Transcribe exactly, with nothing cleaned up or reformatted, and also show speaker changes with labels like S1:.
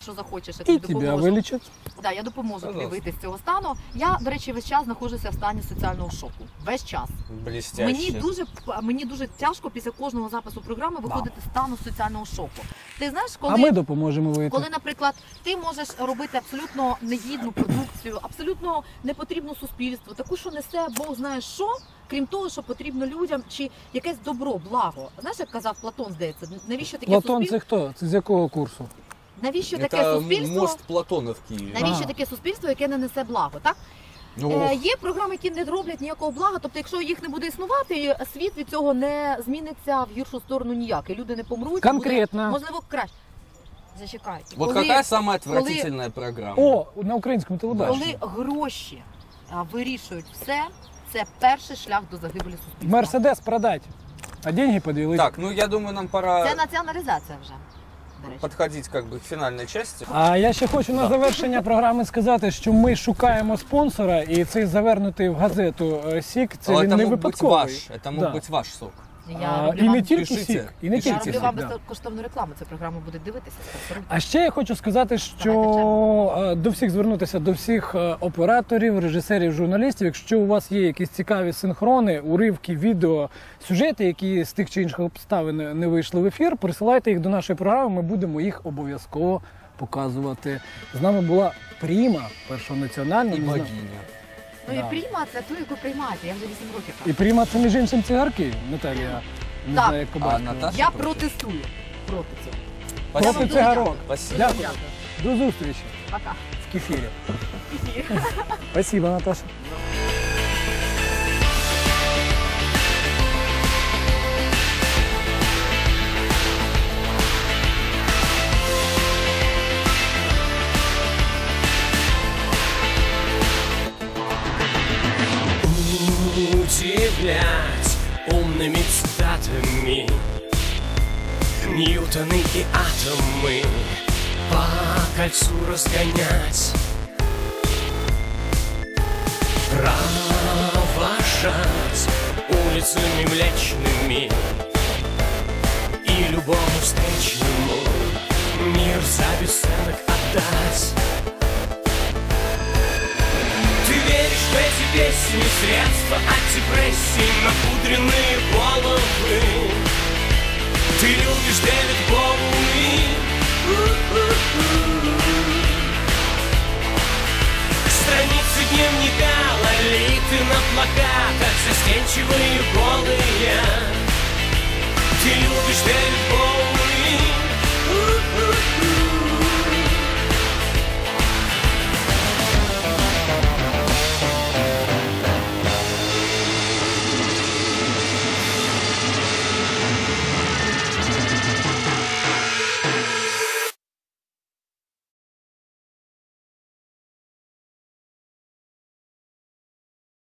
S1: Якщо захочеш, я
S2: І
S1: тобі
S2: тебе
S1: допоможу.
S2: вилічать.
S1: Да, я допоможу тобі вийти з цього стану. Я, до речі, весь час знаходжуся в стані соціального шоку. Весь час.
S3: Блістяще.
S1: Мені дуже, мені дуже тяжко після кожного запису програми виходити з стану соціального шоку. Ти знаєш, коли,
S2: А ми допоможемо вийти.
S1: коли, наприклад, ти можеш робити абсолютно негідну продукцію, абсолютно непотрібну суспільству, таку, що несе Бог знає що, крім того, що потрібно людям, чи якесь добро, благо. Знаєш, як казав Платон, здається, навіщо таке
S2: Платон
S1: суспільство?
S2: це хто? Це з якого курсу?
S1: Навіщо таке
S3: Це
S1: суспільство?
S3: мост Платона в Києві.
S1: Навіщо
S2: Ага.
S1: таке суспільство, яке не несе благо, так?
S3: Ну,
S1: Е, є програми, які не роблять ніякого блага, тобто якщо їх не буде існувати, світ від цього не зміниться в гіршу сторону ніяк, і люди не помруть.
S2: Конкретно.
S1: Буде, можливо, краще. Зачекай.
S3: вот
S1: Коли-
S3: какая самая отвратительная программа?
S2: О, на українському телебаченні.
S1: Коли гроші а, вирішують все, це перший шлях до загибелі суспільства.
S2: Мерседес продать, а деньги поділити.
S3: Так, ну я думаю, нам пора
S1: Це націоналізація вже, до речі.
S3: подходить как бы к финальной части.
S2: А я ще хочу на завершення програми сказати, що ми шукаємо спонсора, і цей завернутий в газету е, сік, це
S3: Но
S2: він
S3: это
S2: не
S3: мог быть
S2: випадковий.
S3: ваш, это мог
S2: Да.
S3: быть ваш сок.
S1: Я
S2: А,
S1: роблю
S2: і
S1: вам,
S2: не тільки
S3: Пишіть.
S2: сік, і не
S3: Я
S1: я
S2: тільки
S1: роблю
S2: сік.
S1: вам
S2: да.
S1: безкоштовну рекламу, цю програму буде дивитися. спонсоруйте.
S2: А ще я хочу сказати, що е, до всіх звернутися, до всіх е, операторів, режисерів, журналістів. Якщо у вас є якісь цікаві синхрони, уривки, відео, сюжети, які з тих чи інших обставин не вийшли в ефір, присилайте їх до нашої програми, ми будемо їх обов'язково показувати. З нами була Пріма, першого національного.
S3: И
S2: не знаю.
S3: богиня.
S1: Ну
S2: Да.
S1: і прийма це ту, яку приймаєте, я вже вісім років.
S2: І Пріма це між іншим цигарки, Наталія. Не
S1: Так.
S2: знаю, як
S3: А
S2: побачити.
S3: Наташа?
S1: Я протестую проти цього.
S2: Проти
S1: вам дуже
S2: цигарок.
S3: Спасибо.
S2: Дякую. До зустрічі
S1: Пока.
S2: в кефірі. Спасибо, Наташа.
S4: Удивлять умными цитатами Ньютоны и атомы по кольцу разгонять, провожать улицами млечными и любому встречному мир за бесценок отдать. Ты веришь в эти песни, средства от депрессии, напудренные головы. Ты любишь Дэвид Боуи. Страницы дневника, лолиты на плакатах, застенчивые голые. Ты любишь Дэвид